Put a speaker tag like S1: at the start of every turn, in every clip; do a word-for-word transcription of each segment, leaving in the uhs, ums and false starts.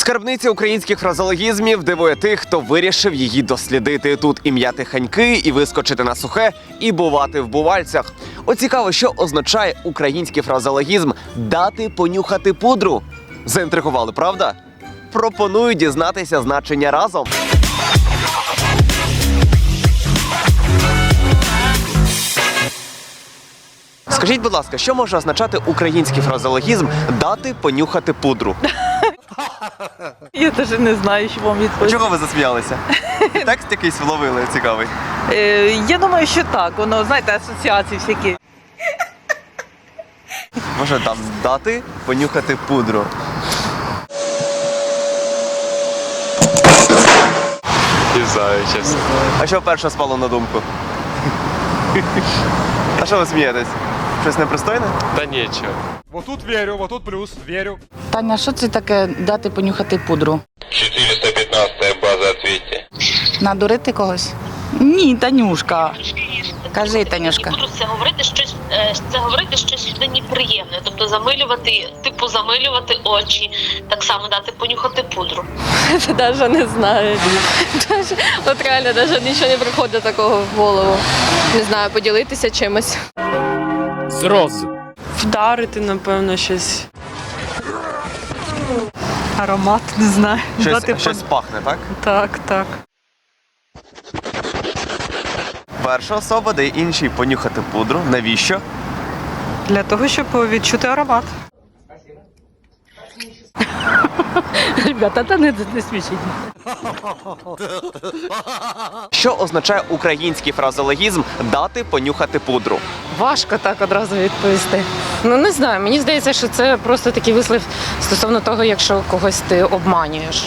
S1: Скарбниця українських фразеологізмів дивує тих, хто вирішив її дослідити. Тут і м'яти ханьки, і вискочити на сухе, і бувати в бувальцях. От цікаво, що означає український фразеологізм «дати понюхати пудру». Заінтригували, правда? Пропоную дізнатися значення разом. Скажіть, будь ласка, що може означати український фразеологізм «дати понюхати пудру»?
S2: Я навіть не знаю, що вам відповісти.
S1: Чого ви засміялися? Текст якийсь вловили цікавий.
S2: Е, я думаю, що так. Воно, знаєте, асоціації всякі.
S1: Може там «дати понюхати пудру».
S3: Не знаю, чесно.
S1: А що перше спало на думку? А що ви смієтесь? Щось непристойне?
S3: Та нічого.
S4: Вот тут верю, вот тут плюс, верю.
S5: Таня, що це таке дати понюхати пудру?
S6: четыреста пятнадцатая база, ответьте.
S5: Надурити когось? Ні, Танюшка. Кажи, Танюшка.
S7: Буду це говорити щось, е, це говорити щось людині приємне, тобто замилювати, типу замилювати очі, так само дати понюхати пудру.
S8: Даже не знаю. Даже, от реально, навіть нічого не приходить такого в голову. Не знаю, поділитися чимось.
S9: Зразу.
S2: Вдарити, напевно, щось. Аромат, не знаю.
S1: Щось,
S2: Дати
S1: щось
S2: пон-
S1: пахне, так?
S2: Так, так.
S1: Перша особа дає іншій понюхати пудру. Навіщо?
S2: Для того, щоб відчути аромат.
S5: Ребята, та не, не смішіть.
S1: Що означає український фразеологізм «дати понюхати пудру»?
S8: Важко так одразу відповісти. Ну не знаю, мені здається, що це просто такий вислів стосовно того, якщо когось ти обманюєш.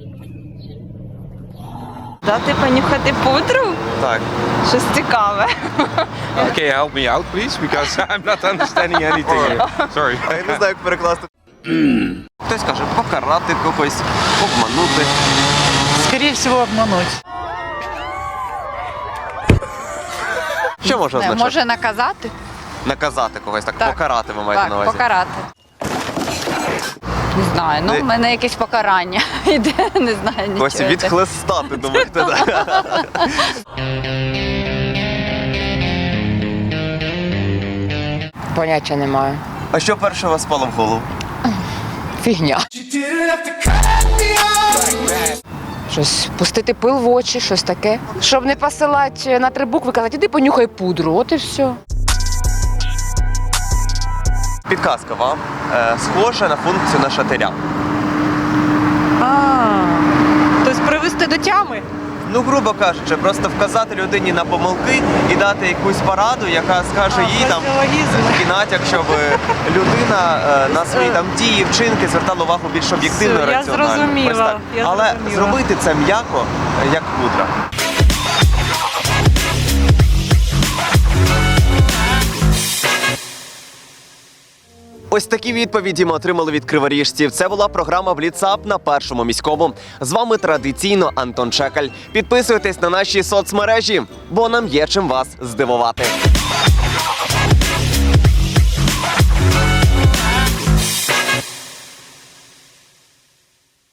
S2: Дати понюхати пудру?
S1: Так.
S2: Щось цікаве.
S3: Okay, help me out, please, because I'm not understanding anything here. Sorry.
S1: А я не знаю, як перекласти. Хтось каже покарати когось, обманути.
S5: Скоріше всього, обмануть.
S1: Що може означати?
S5: Може наказати?
S1: Наказати когось, так,
S5: Так.
S1: покарати ви маєте на
S5: Так,
S1: увазі.
S5: покарати. Не знаю, ну
S1: Ви-
S5: в мене якесь покарання йде, не знаю нічого.
S1: Когось відхлестати, думаєте, так?
S8: Поняття немає.
S1: А що перше у вас спало в голову?
S8: Фігня. Щось пустити пил в очі, щось таке. Щоб не посилати на три букви, казати, іди понюхай пудру, от і все.
S1: Підказка вам. Е, схожа на функцію на шатиря.
S2: А, тобто привести до тями?
S1: Ну, грубо кажучи, просто вказати людині на помилки і дати якусь пораду, яка скаже їй там
S2: фразеологізм.
S1: такий натяк, щоб людина е, на свої там дії, вчинки звертала увагу більш об'єктивно,
S2: Все, я
S1: раціонально.
S2: зрозуміла,
S1: Ось так.
S2: я
S1: Але
S2: зрозуміла.
S1: зробити це м'яко, е, як пудра. Ось такі відповіді ми отримали від криворіжців. Це була програма «Бліцап» на Першому міському. З вами традиційно Антон Чекаль. Підписуйтесь на наші соцмережі, бо нам є чим вас здивувати.